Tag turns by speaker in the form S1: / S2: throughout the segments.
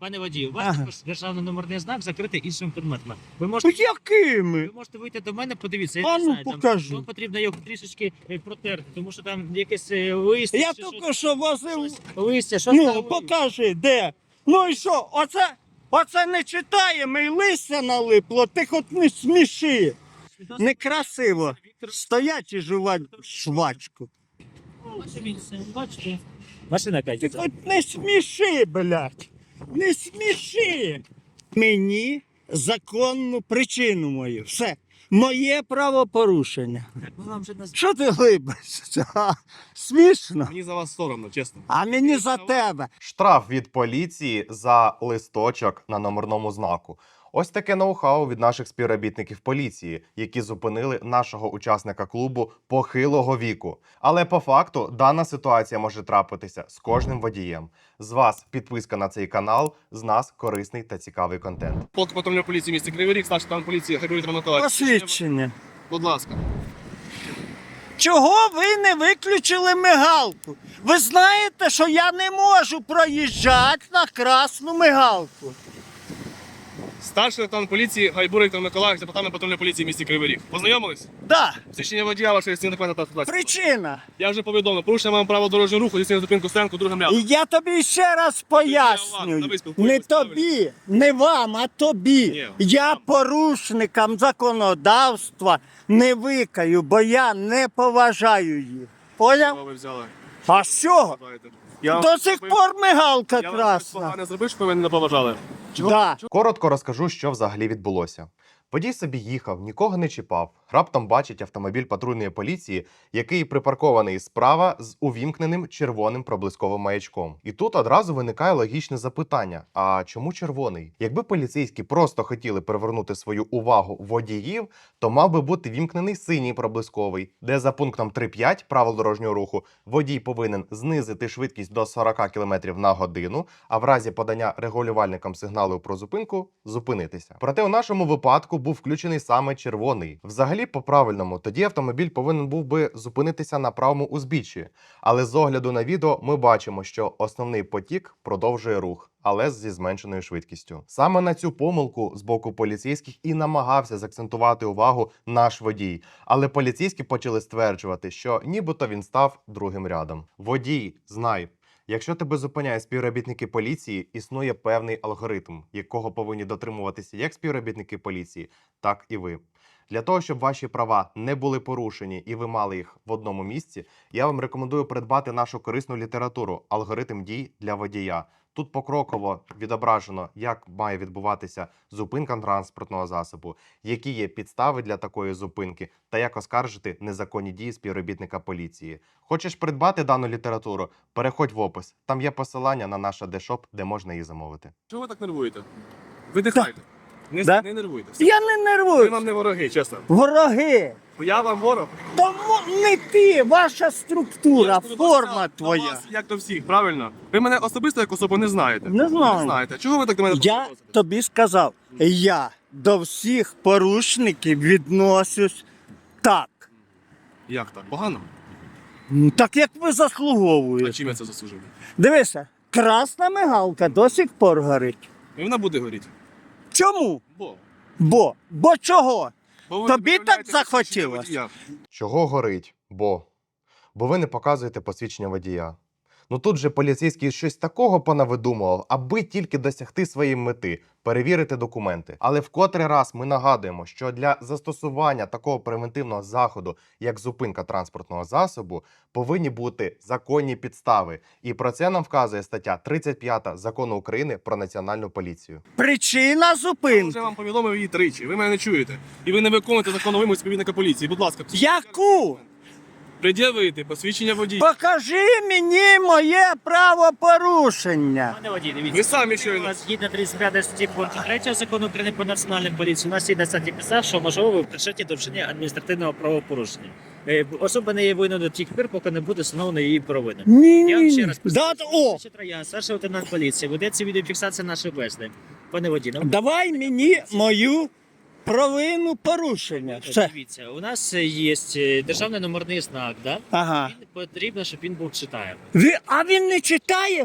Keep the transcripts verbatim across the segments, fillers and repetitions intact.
S1: Пане водію, у вас
S2: Ага.
S1: також державний номерний знак закритий іншими предметами. Ви можете,
S2: Якими?
S1: ви можете вийти до мене, подивіться, я
S2: А
S1: не
S2: ну,
S1: знаю, там,
S2: покажи.
S1: вам потрібно його трішечки е, протерти, тому що там якесь е, листя,
S2: Я
S1: чи
S2: тільки
S1: щось-
S2: що возив.
S1: щось- листя, щось
S2: Ну,
S1: там.
S2: покажи, де. Ну і що, оце, оце не читаємо і листя налипло, ти хоч не сміши. Некрасиво. Стоять і жувати швачку.
S1: Бачите? Машина
S2: Ти
S1: катиться.
S2: хоч не сміши, блядь. Не сміши. Мені законну причину мою. Все. Моє правопорушення.
S1: Ми вам вже наз-
S2: Що ти глибишся? А, Смішно.
S3: Мені за вас соромно, чесно.
S2: А мені за тебе.
S4: Штраф від поліції за листочок на номерному знаку. Ось таке ноу-хау від наших співробітників поліції, які зупинили нашого учасника клубу похилого віку. Але по факту дана ситуація може трапитися з кожним водієм. З вас підписка на цей канал, з нас корисний та цікавий контент.
S3: Полк патрульної поліції міста Кривий Ріг, старший лейтенант поліції Григорій Миколаївич.
S2: Посвідчення.
S3: Будь ласка.
S2: Чого ви не виключили мигалку? Ви знаєте, що я не можу проїжджати на красну мигалку.
S3: Старший лейтенант поліції Гайбур Віктор Миколаївич, департамент патрульної поліції міста Кривий Ріг. Познайомились?
S2: Да,
S3: Свідчення водія вашої стіни документа та ситуації.
S2: причина.
S3: Я вже повідомив, порушення маємо право дорожнього руху, здійснення зупинку стоянку другим рядом.
S2: І я тобі ще раз пояснюю.
S3: ви спілкуєтесь
S2: Не тобі, не вам, а тобі.
S3: Ні,
S2: Я
S3: вам.
S2: порушникам законодавства не викаю, бо я не поважаю їх. Поняв?
S3: Що ви взяли?
S2: А з чого?
S3: Я вам
S2: До сих пор мигалка
S3: Я вам щось
S2: красна.
S3: погане зробив, що ви мене не поважали.
S2: Да.
S4: Коротко розкажу, що взагалі відбулося. Водій собі їхав, нікого не чіпав. Раптом бачить автомобіль патрульної поліції, який припаркований справа з увімкненим червоним проблисковим маячком. І тут одразу виникає логічне запитання: а чому червоний? Якби поліцейські просто хотіли привернути свою увагу водіїв, то мав би бути вімкнений синій проблисковий, де за пунктом три п'ять правил дорожнього руху водій повинен знизити швидкість до сорок кілометрів на годину, а в разі подання регулювальникам сигналу про зупинку зупинитися. Проте у нашому випадку був включений саме червоний. Взагалі, по-правильному, тоді автомобіль повинен був би зупинитися на правому узбіччі. Але з огляду на відео ми бачимо, що основний потік продовжує рух, але зі зменшеною швидкістю. Саме на цю помилку з боку поліцейських і намагався заакцентувати увагу наш водій. Але поліцейські почали стверджувати, що нібито він став другим рядом. Водій, знай, якщо тебе зупиняють співробітники поліції, існує певний алгоритм, якого повинні дотримуватися як співробітники поліції, так і ви. Для того, щоб ваші права не були порушені і ви мали їх в одному місці, я вам рекомендую придбати нашу корисну літературу «Алгоритм дій для водія». Тут покроково відображено, як має відбуватися зупинка транспортного засобу, які є підстави для такої зупинки та як оскаржити незаконні дії співробітника поліції. Хочеш придбати дану літературу? Переходь в опис. Там є посилання на наш адешоп, де можна її замовити.
S3: Чого ви так нервуєте? Видихайте. Не,
S2: Да?
S3: не нервуйте.
S2: Я не
S3: Ви
S2: нервую.
S3: вам не вороги, чесно.
S2: Вороги.
S3: Я вам ворог.
S2: Тому не ти, ваша структура,
S3: Я ж
S2: форма
S3: до
S2: твоя.
S3: вас, як до всіх, правильно? Ви мене особисто як особу не знаєте.
S2: Не знаю.
S3: Не знаєте. Чого ви так до мене
S2: Я
S3: відноситесь?
S2: тобі сказав, я до всіх порушників відношусь так.
S3: Як так? Погано?
S2: Ну, так як ви
S3: А
S2: заслуговуєте.
S3: чим я це заслужив?
S2: Дивися, красна мигалка до сих пор горить.
S3: І вона буде горіти.
S2: Чому?
S3: Бо.
S2: Бо. Бо чого?
S3: Бо ви
S2: Тобі
S3: виявляєте
S2: так
S3: посвідчення
S2: захотілось?
S3: водія.
S4: Чого горить? Бо. Бо ви не показуєте посвідчення водія. Ну тут же поліцейський щось такого понавидумував, аби тільки досягти своєї мети – перевірити документи. Але в котрий раз ми нагадуємо, що для застосування такого превентивного заходу, як зупинка транспортного засобу, повинні бути законні підстави. І про це нам вказує стаття тридцять п'ята Закону України про Національну поліцію.
S2: Причина
S3: Я вже
S2: зупинки.
S3: вам повідомив її тричі. Ви мене не чуєте. І ви не виконуєте законну вимогу співвідника поліції. Будь ласка,
S2: Яку?
S3: пред'явити посвідчення водія.
S2: Покажи мені моє правопорушення.
S1: Пане водій, дивіться.
S3: Ви самі
S1: У
S3: щойно.
S1: нас згідно тридцять п'ятої статті пункту третього закону України про національну поліцію, у нас є на статті підстав, що можливо ви причетні до вчинення адміністративного правопорушення. Е, Особа не є винною до тих пір, поки не буде встановлено її провина.
S2: Ні,
S1: Я вам
S2: ні,
S1: ще
S2: ні.
S1: раз
S2: Да, о,
S1: Троян, старший лейтенант поліції, ведеться відеофіксація нашої бесіди. Пане водій, нам
S2: давай мені мою провину порушення. Все.
S1: дивіться, у нас є е, державний номерний знак, да?
S2: Ага.
S1: Він потрібно, щоб він був читаємий.
S2: Ви, а він не читає ми?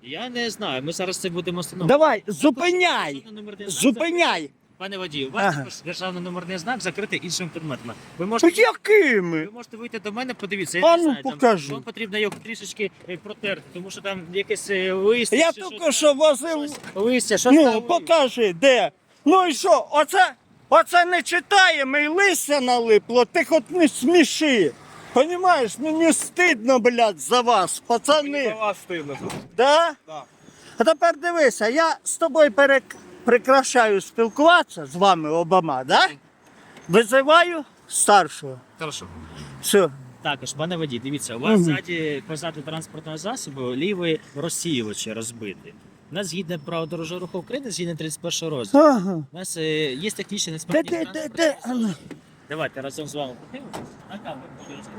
S1: Я не знаю, ми зараз це будемо встановлювати.
S2: Давай, зупиняй!
S1: Державний номерний знак
S2: Зупиняй!
S1: закритий. Пане водію, у вас
S2: Ага.
S1: також державний номерний знак закритий іншими предметами. Ви можете,
S2: Якими?
S1: ви можете вийти до мене, подивіться.
S2: А
S1: Я
S2: ну,
S1: не знаю, там,
S2: покажи.
S1: вам потрібно його трішечки е, протерти, тому що там якесь е, листя.
S2: Я
S1: чи
S2: тільки
S1: щось
S2: що
S1: там,
S2: возив.
S1: щось- Листя, що
S2: Ну, покажи, де. Ну і що, оце, оце не читаємо і листя налипло, ти хоч не сміши. Понімаєш, мені стидно, блядь, за вас,
S3: Мені за
S2: пацани.
S3: вас стидно.
S2: Да?
S3: Да.
S2: А тепер дивися, я з тобою перек... прикрашаю спілкуватися з вами обома, да? Визиваю старшого.
S3: Хорошо.
S2: Все.
S1: Також, пане водій, дивіться, у вас
S2: Мгм.
S1: ззаді позаду транспортного засобу лівий розсіювач розбитий. У нас згідно правил дорожнього руху України, згідно тридцять першого розділу,
S2: Ага.
S1: у нас е, є технічні
S2: Де,
S1: несправність.
S2: де, де,
S1: транспортного
S2: де? А ну.
S1: засобу. Давайте разом з вами подивимося. На камеру, будь ласка.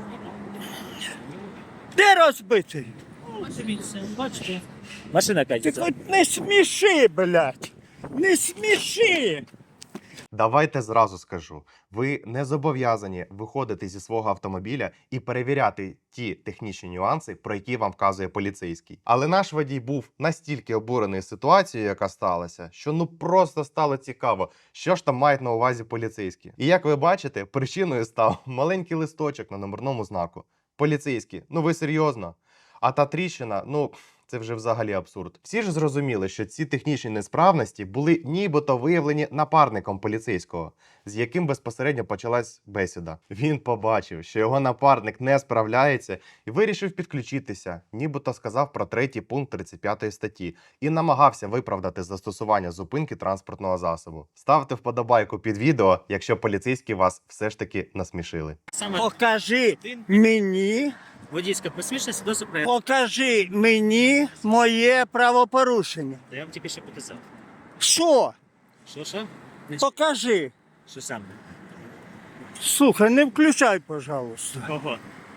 S2: Де розбитий?
S1: Подивіться, бачите? Машина
S2: Ти
S1: катиться.
S2: хоч не сміши, блядь. Не сміши.
S4: Давайте зразу скажу: ви не зобов'язані виходити зі свого автомобіля і перевіряти ті технічні нюанси, про які вам вказує поліцейський. Але наш водій був настільки обурений ситуацією, яка сталася, що ну просто стало цікаво, що ж там мають на увазі поліцейські. І як ви бачите, причиною став маленький листочок на номерному знаку. Поліцейські, ну ви серйозно? А та тріщина, ну. Це вже взагалі абсурд. Всі ж зрозуміли, що ці технічні несправності були нібито виявлені напарником поліцейського, з яким безпосередньо почалась бесіда. Він побачив, що його напарник не справляється і вирішив підключитися, нібито сказав про третій пункт тридцять п'ятої статті і намагався виправдати застосування зупинки транспортного засобу. Ставте вподобайку під відео, якщо поліцейські вас все ж таки насмішили.
S1: Саме
S2: Покажи
S1: один
S2: мені,
S1: водійська посвідчення свідоцтво про
S2: покажи мені моє правопорушення.
S1: я вам тільки що показав.
S2: Що?
S1: Що, що? Не
S2: Покажи.
S1: Що саме?
S2: Слухай, не включай, пожалуйста.
S1: Кого?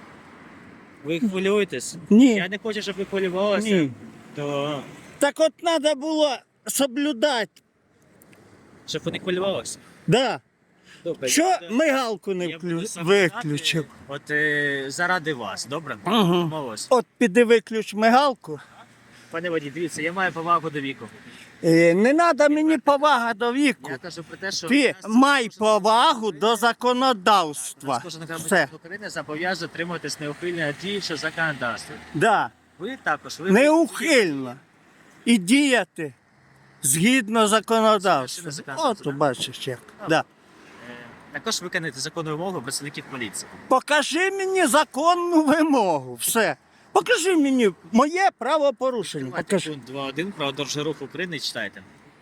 S1: Ви хвилюєтесь?
S2: Ні.
S1: Я не хочу, щоб ви хвилювалися.
S2: Ні.
S1: То
S2: Так от треба було соблюдати.
S1: щоб ви не хвилювалися.
S2: Да.
S1: Добре.
S2: Що
S1: я буду-
S2: мигалку не
S1: я буду
S2: вклю...
S1: соблюдати,
S2: виключив?
S1: От е, заради вас, добре?
S2: Ага.
S1: Домовились.
S2: От піди виключ мигалку.
S1: Пане водій, дивіться, я маю повагу до віку.
S2: Е, не треба мені повага до віку.
S1: Я кажу про те, що
S2: Ти
S1: нас
S2: май
S1: кожен-
S2: повагу до законодавства.
S1: Нас кожен громадянин
S2: Все.
S1: України зобов'язує дотримуватись неухильно діючого законодавства.
S2: Да.
S1: Ви також. Ви
S2: Неухильно. І діяти згідно законодавства.
S1: Згідно законодавства,
S2: От
S1: да?
S2: бачиш як. Да.
S1: Е, Також виконуєте законну вимогу працівників поліції.
S2: Покажи мені законну вимогу. Все. Покажи мені моє правопорушення.
S1: Давайте
S2: Покажи.
S1: пункт два один про дорожній рух України читайте.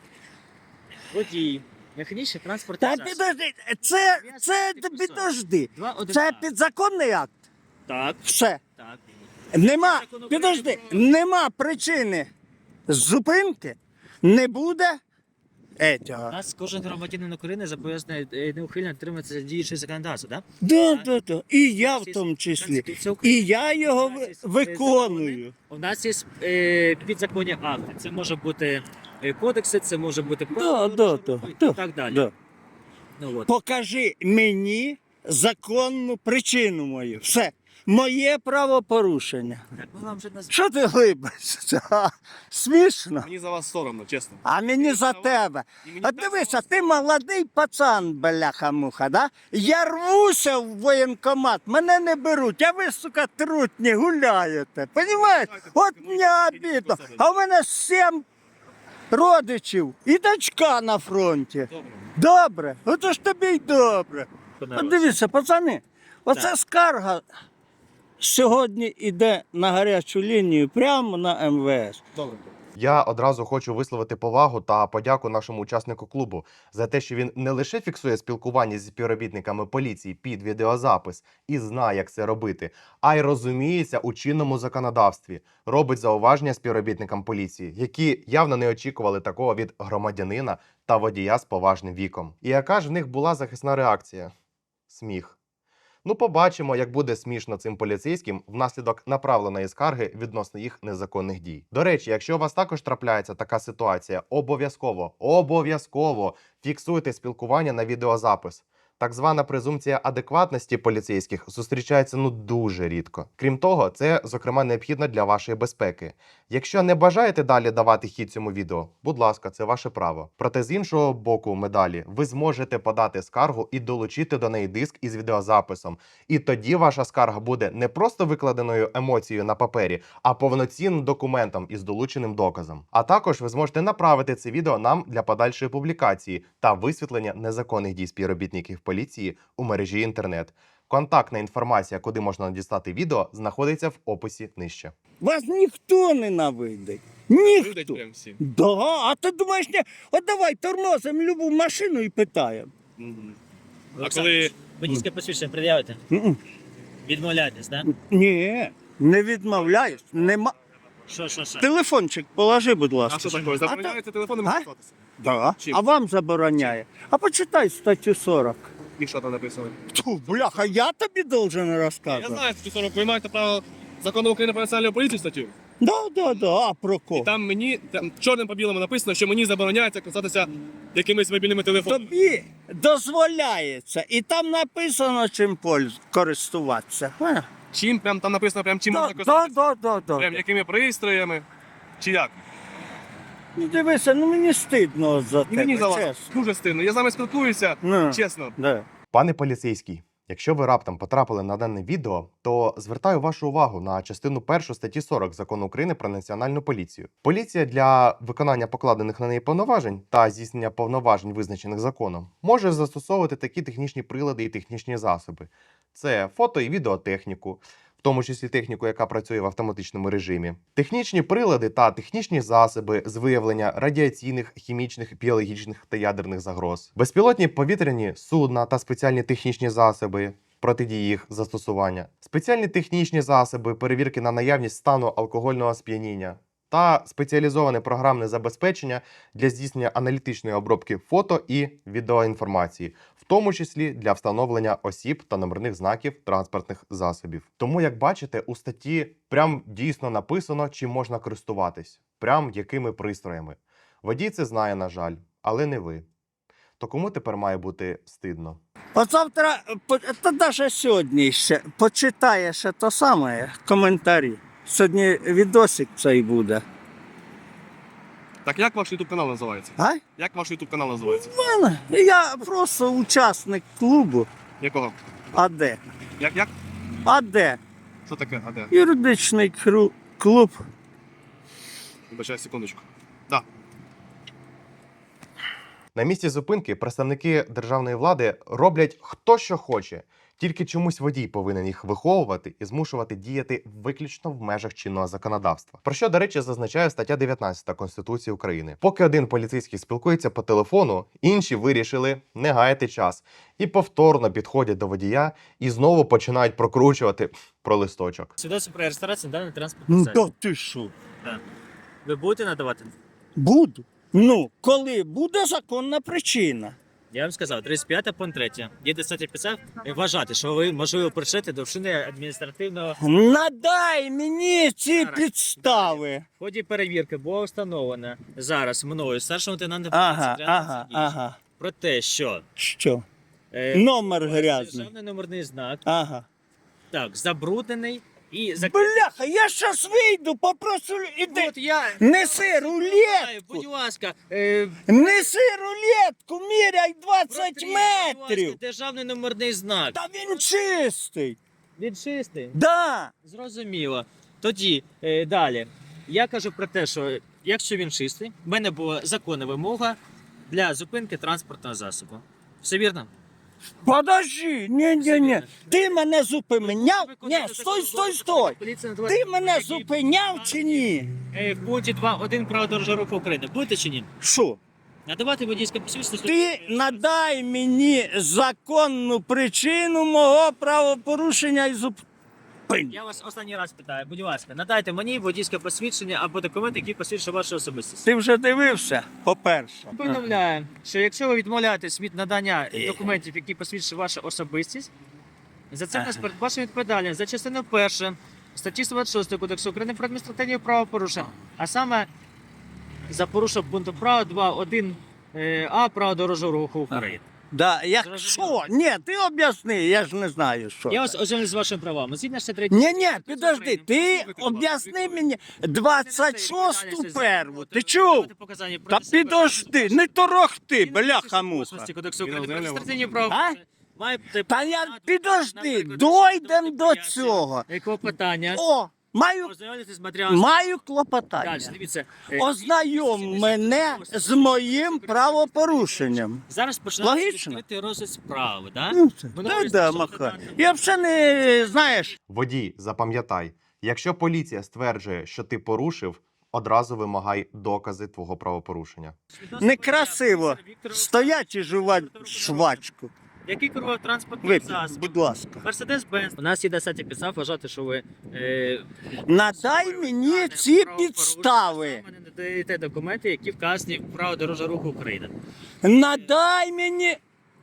S1: Водій, механічний транспорт.
S2: Та підожди, це, це підожди. Це підзаконний акт.
S1: Так,
S2: Все.
S1: так.
S2: Нема, підожди, нема причини зупинки, не буде
S1: У
S2: етього.
S1: нас кожен громадянин України зобов'язаний е, неухильно дотримуватися діючого законодавства, так?
S2: Да, да, да. І я в тому числі. І я його ви- виконую.
S1: У нас є е, підзаконні акти. Це може бути е, кодекси, це може бути
S2: Да,
S1: правила
S2: да,
S1: дорожнього
S2: да,
S1: руху
S2: да,
S1: і так далі.
S2: Да.
S1: Ну, от.
S2: Покажи мені законну причину мою. Все. Моє правопорушення.
S1: Так, ми вам вже назвали.
S2: Що ти глибишся? Ха, Смішно.
S3: Мені за вас соромно, чесно.
S2: А мені за тебе.
S3: І мені
S2: От
S3: так
S2: дивися,
S3: само
S2: ти молодий пацан, бляха-муха, да? Я рвуся в воєнкомат, мене не беруть, а ви, сука, трутні гуляєте. Понімаєш? От мені обідно. А в мене сім родичів і дочка на фронті.
S3: Добре.
S2: Добре, ото ж тобі й добре.
S1: Добре.
S2: От дивіться, пацани, оце
S1: Так.
S2: скарга сьогодні йде на гарячу лінію прямо на ем ве ес.
S3: Добре.
S4: Я одразу хочу висловити повагу та подяку нашому учаснику клубу за те, що він не лише фіксує спілкування зі співробітниками поліції під відеозапис і знає, як це робити, а й розуміється у чинному законодавстві, робить зауваження співробітникам поліції, які явно не очікували такого від громадянина та водія з поважним віком. І яка ж в них була захисна реакція? Сміх. Ну, побачимо, як буде смішно цим поліцейським внаслідок направленої скарги відносно їх незаконних дій. До речі, якщо у вас також трапляється така ситуація, обов'язково, обов'язково фіксуйте спілкування на відеозапис. Так звана презумпція адекватності поліцейських зустрічається ну дуже рідко. Крім того, це, зокрема, необхідно для вашої безпеки. Якщо не бажаєте далі давати хід цьому відео, будь ласка, це ваше право. Проте з іншого боку медалі ви зможете подати скаргу і долучити до неї диск із відеозаписом. І тоді ваша скарга буде не просто викладеною емоцією на папері, а повноцінним документом із долученим доказом. А також ви зможете направити це відео нам для подальшої публікації та висвітлення незаконних дій співробітників поліції у мережі інтернет. Контактна інформація, куди можна надіслати відео, знаходиться в описі нижче.
S2: Вас ніхто ненавидить.
S3: Видать
S2: Ніхто.
S3: прям всі.
S2: Да, а ти думаєш, не? От давай тормозимо любу машину і питаємо.
S3: Мгм. А
S1: Олександр,
S3: коли
S1: водійське посвідчення пред'явите?
S2: М-м.
S1: Відмовляєтесь, так?
S2: Ні, не відмовляюсь. Нема.
S1: Що, що, що?
S2: Телефончик положи, будь
S3: а
S2: ласка.
S3: що таке? Забороняється телефоном
S2: А?
S3: користуватися?
S2: Да.
S3: Чим?
S2: А вам забороняє. А почитай статтю сорок.
S3: І що там написано?
S2: Тьфу, бляха, я тобі должен
S3: Я
S2: розказувати.
S3: знаю, що сорок ви маєте право закону України про національну поліцію статтю.
S2: Да, да, да, а про
S3: І
S2: кого?
S3: там мені там чорним по білому написано, що мені забороняється користуватися якимись мобільними телефонами.
S2: Тобі дозволяється. І там написано, чим польз- користуватися. Понял?
S3: Чим прям там написано, прям чим
S2: Да,
S3: можна
S2: да,
S3: користуватися?
S2: да, да, да.
S3: Прям якими пристроями? Чи як?
S2: Ну дивися, ну мені стидно от за
S3: І
S2: тебе,
S3: мені за вас
S2: чесно.
S3: дуже стильно. Я з вами спілкуюся,
S2: Ну,
S3: чесно.
S2: да.
S4: Пане поліцейський, якщо ви раптом потрапили на дане відео, то звертаю вашу увагу на частину першу статті сорок Закону України про національну поліцію. Поліція для виконання покладених на неї повноважень та здійснення повноважень, визначених законом, може застосовувати такі технічні прилади і технічні засоби. Це фото і відеотехніку, в тому числі техніку, яка працює в автоматичному режимі, технічні прилади та технічні засоби з виявлення радіаційних, хімічних, біологічних та ядерних загроз, безпілотні повітряні судна та спеціальні технічні засоби протидії їх застосування, спеціальні технічні засоби перевірки на наявність стану алкогольного сп'яніння та спеціалізоване програмне забезпечення для здійснення аналітичної обробки фото і відеоінформації, в тому числі для встановлення осіб та номерних знаків транспортних засобів. Тому, як бачите, у статті прям дійсно написано, чим можна користуватись, прям якими пристроями. Водій це знає, на жаль, але не ви. То кому тепер має бути стидно?
S2: От завтра, по- та навіть сьогодні ще почитаєш те саме, коментарі. Сьогодні відосик цей буде.
S3: Так як ваш ютуб канал називається?
S2: А?
S3: Як ваш ютуб канал називається?
S2: Мене? Я просто учасник клубу
S3: Якого?
S2: АД.
S3: Як як?
S2: АД.
S3: Що таке? А де?
S2: Юридичний кру- клуб.
S3: Вибачай, секундочку. Так.
S4: На місці зупинки представники державної влади роблять хто що хоче. Тільки чомусь водій повинен їх виховувати і змушувати діяти виключно в межах чинного законодавства. Про що, до речі, зазначає стаття дев'ятнадцята Конституції України. Поки один поліцейський спілкується по телефону, інші вирішили не гаяти час і повторно підходять до водія і знову починають прокручувати про листочок.
S1: Свідоцтво про реєстрацію даний транспортний
S2: Ну
S1: засіб.
S2: то ти що?
S1: Ви будете надавати?
S2: Буду. Ну, коли буде законна причина.
S1: Я вам сказав, тридцять п'ята пункт три. Є достатньо підстав вважати, що ви, можливо, причетні до вчинення адміністративного.
S2: Надай мені ці
S1: Зараз.
S2: підстави.
S1: В ході перевірки було встановлено зараз мною старшим лейтенантом
S2: Ага,
S1: поліції
S2: ага,
S1: Прямо
S2: ага.
S1: про те, що
S2: Що?
S1: е,
S2: Номер грязний.
S1: державний номерний знак
S2: Ага.
S1: так забруднений і зак...
S2: Бляха, я щас вийду, попрошу, іди.
S1: От я
S2: Неси рулетку.
S1: Будь ласка, е,
S2: Неси рулетку, міряй двадцять
S1: протри, будь ласка,
S2: метрів.
S1: державний номерний знак.
S2: Та він чистий.
S1: Він чистий.
S2: Да.
S1: Зрозуміло. Тоді е, далі. Я кажу про те, що якщо він чистий, в мене була законна вимога для зупинки транспортного засобу. Все вірно?
S2: Подожди, ні, ні, ні. Ти мене зупиняв? Ні, стой, стой, стой. Ти мене зупиняв чи ні?
S1: Е, В пункті два один правил дорожнього руху України. Будете чи ні?
S2: Що?
S1: Надавати водійське посвідчення.
S2: Ти надай мені законну причину мого правопорушення і зупинення.
S1: Я вас останній раз питаю, будь ласка, надайте мені водійське посвідчення або документ, який посвідчує вашу особистість.
S2: Ти вже дивився, по-перше.
S1: Повідомляю, що якщо ви відмовляєтесь від надання документів, які посвідчують вашу особистість, за це нас передбачена відповідальність за частину першу статті сто двадцять шість Кодексу України про адміністративні правопорушення, а саме за порушення пункту права два один а Права дорожнього руху України.
S2: Да, якщо, ні, ти об'ясни, я ж не знаю, що.
S1: Я
S2: це.
S1: вас ознайомлю з вашим правами. Згідно шістдесят третій
S2: Ні, ні, підожди, ти об'ясни мені двадцять шосту перву, ти чув? Та підожди, не торохти, бляха-муха.
S1: Кодексу України про
S3: А?
S1: адміністративні правопорушення. Маєте
S2: Та я,
S1: право
S2: підожди,
S1: на
S2: дойдем до
S1: переконання,
S2: цього.
S1: Якого питання?
S2: О, маю,
S1: Ознайомитись з матеріалом.
S2: маю
S1: Далі,
S2: клопотання.
S1: дивіться. е,
S2: Ознайом мене з моїм правопорушенням.
S1: Зараз починається
S2: Логічно?
S1: відкритий розгляд справи, так?
S2: Ну, це,
S1: Ми
S2: та
S1: говоримо,
S2: да,
S1: що
S2: маха.
S1: це
S2: Я взагалі не, знаєш,
S4: Водій, запам'ятай, якщо поліція стверджує, що ти порушив, одразу вимагай докази твого правопорушення.
S2: некрасиво стоять і жувати швачку.
S1: Який керував транспортним
S2: Випій,
S1: засобом?
S2: будь ласка.
S1: Мерседес-Бенз. У нас є достатньо підстав вважати, що ви е,
S2: Надай мені ці
S1: правопорушення,
S2: підстави.
S1: саме не надаєте документи, які вказані в право дорожнього руху України.
S2: Надай мені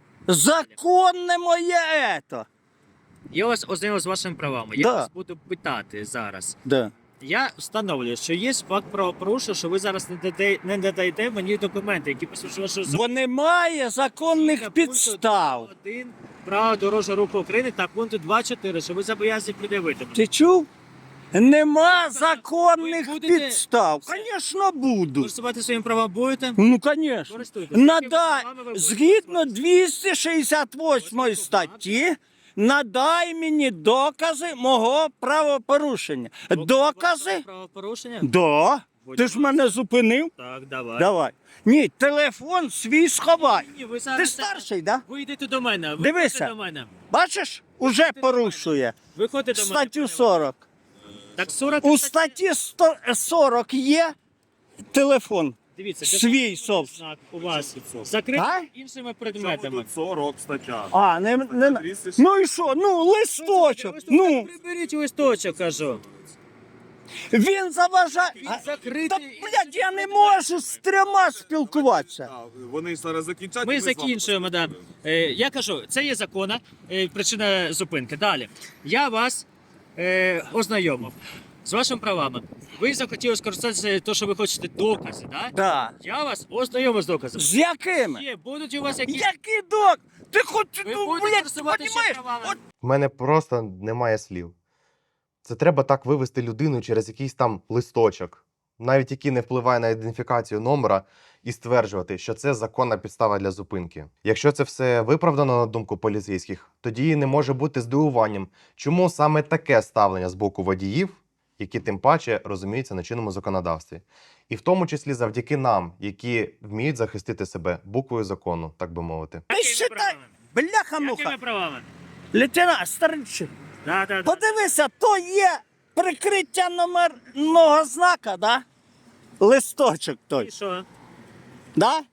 S2: законне моє ето.
S1: Я вас ознайомив з вашими правами. Я
S2: Да.
S1: вас буду питати зараз.
S2: Да.
S1: Я встановлюю, що є факт правопорушення, що ви зараз не даєте, не надаєте мені документи, які посвідчують вашу
S2: Бо немає законних підстав.
S1: Один право дорожнього руху України та пункту два чотири, що ви зобов'язані пред'явити.
S2: Ти чув? Нема законних
S1: Ви будете-
S2: підстав. Звісно, буду.
S1: Користувати своїм правом будете?
S2: Ну, звісно.
S1: Користуйтесь.
S2: Надай,
S1: Якими правами ви
S2: згідно
S1: будете
S2: двісті шістдесят восьмої статті, надай мені докази мого правопорушення. Докази?
S1: Правопорушення?
S2: Да. Ти ж мене зупинив?
S1: Так, давай.
S2: Давай. Ні, телефон свій сховай.
S1: Ні, ви
S2: Ти
S1: зараз...
S2: старший, да?
S1: Ви йдете до мене. Ви
S2: Дивися.
S1: ходите до мене.
S2: Бачиш, уже порушує.
S1: Виходите до мене.
S2: Статтю сорок.
S1: Так сорок
S2: У статті сто- сорок є телефон.
S1: Дивіться,
S2: свій
S1: де
S2: собс-
S1: знак у вас закритий
S2: А?
S1: іншими предметами.
S3: сорок стаття.
S2: А, не, не, ну і що? Ну, листочок. Ну,
S1: Приберіть листочок, кажу.
S2: він заважає.
S1: Він
S2: А,
S1: закритий.
S2: Та, блядь, я не можу з трьома спілкуватися.
S3: Вони зараз закінчать.
S1: Ми закінчуємо, да. Е, я кажу, це є законна е, причина зупинки. Далі. Я вас е, ознайомив з вашими правами. Ви захотіли скористатися те, що ви хочете докази, так?
S2: Да.
S1: Я вас ознайомив з доказами.
S2: З якими?
S1: Є, будуть у вас якісь...
S2: Який док? Ти хоч,
S1: Ви
S2: ну,
S1: будете
S2: блядь, ти
S1: користуватися
S2: розумієш?
S1: правами.
S2: От
S4: В мене просто немає слів. Це треба так вивести людину через якийсь там листочок, навіть який не впливає на ідентифікацію номера, і стверджувати, що це законна підстава для зупинки. Якщо це все виправдано на думку поліцейських, тоді не може бути здивуванням, чому саме таке ставлення з боку водіїв, які тим паче розуміються на чинному законодавстві. І в тому числі завдяки нам, які вміють захистити себе буквою закону, так би мовити.
S2: ти
S1: Якими
S2: считай,
S1: правами?
S2: бляха-муха.
S1: Якими правами?
S2: Лейтенант, старичі,
S1: Да, да, да.
S2: подивися, то є прикриття номерного знака, да? Листочок той,
S1: І що?
S2: да?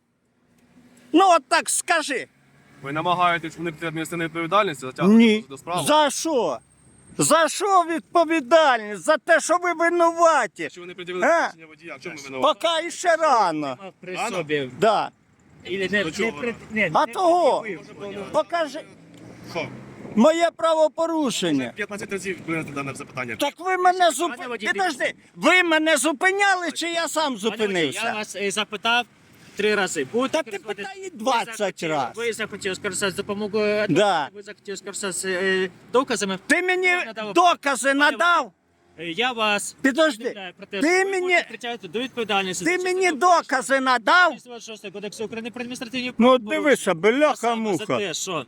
S2: Ну, от так скажи.
S3: Ви намагаєтесь уникнути адміністративної відповідальності, затягнути
S2: Ні.
S3: до справи.
S2: За що? За що відповідальність? За те, що ви винуваті.
S3: Що ви не приділили
S2: Е?
S3: посвідчення водія? В чому ви винуваті?
S2: Поки іще рано.
S1: Мав при
S3: Рано?
S1: собі.
S2: Да.
S1: Ілі не,
S3: До
S1: не,
S3: чого?
S1: при- не,
S2: А
S1: не
S2: того?
S1: пред'явив.
S2: Покажи
S3: Що?
S2: моє правопорушення.
S3: п'ятнадцять разів винести дане запитання.
S2: Так ви мене
S1: Пане
S2: зупиняли.
S1: водій,
S2: Підожди, ви мене зупиняли, чи я сам
S1: Пане водій, Я
S2: зупинився?
S1: вас е, запитав три рази. Будете
S2: Та ти
S1: користуватись-
S2: питай
S1: Ви
S2: двадцять
S1: захотіли-
S2: раз.
S1: Ви захотіли скористатися допомогою адвоката,
S2: Да.
S1: ви захотіли скористатися е, доказами.
S2: Ти мені
S1: Я надав-
S2: докази надав?
S1: Е, Я вас
S2: Підожди,
S1: повідомляю про те,
S2: ти
S1: що ви
S2: мені-
S1: будете притягнути до відповідальності.
S2: ти
S1: за
S2: мені
S1: частину
S2: докази надав?
S1: шістдесят шостого Кодексу України про адміністративні
S2: Ну от
S1: правопорушення.
S2: дивися,
S1: А саме За
S2: бляха-муха.
S1: те, що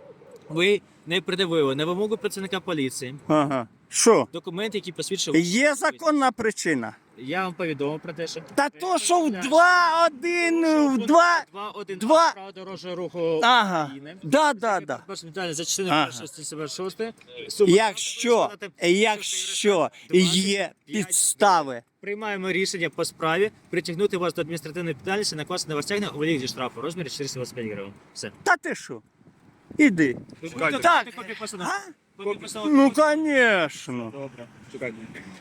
S1: ви не придивили на вимогу працівника поліції
S2: Ага. Що?
S1: документи, які посвідчують.
S2: Є законна причина.
S1: Я вам повідомив про те, що...
S2: Та то, що в два один, в два.
S1: два один
S2: два-
S1: право дорожнього руху
S2: Ага.
S1: України.
S2: Да, да, да.
S1: Перше питання за частиною
S2: Ага.
S1: першої статті сімдесят шостої.
S2: Якщо, якщо є підстави,
S1: Приймаємо рішення по справі притягнути вас до адміністративної відповідальності, накласти на вас тягнення у вигляді штрафу у розмірі чотириста двадцять п'ять гривень. Все.
S2: та ти що? Іди.
S1: Ви
S3: Чекайте.
S1: будете
S2: Так.
S1: копію постанови?
S2: А?
S1: Копію постанови?
S2: Ну, звісно.
S1: Добре. Чекайте.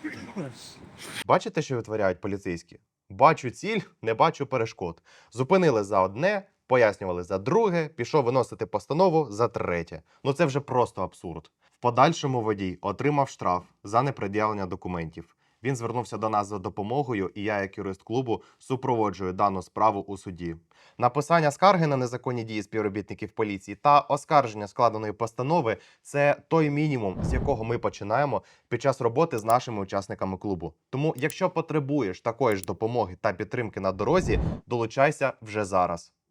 S4: Бачите, що витворяють поліцейські? Бачу ціль, не бачу перешкод. Зупинили за одне, пояснювали за друге, пішов виносити постанову за третє. Ну це вже просто абсурд. В подальшому водій отримав штраф за непред'явлення документів. Він звернувся до нас за допомогою, і я, як юрист клубу, супроводжую дану справу у суді. Написання скарги на незаконні дії співробітників поліції та оскарження складеної постанови – це той мінімум, з якого ми починаємо під час роботи з нашими учасниками клубу. Тому, якщо потребуєш такої ж допомоги та підтримки на дорозі, долучайся вже зараз.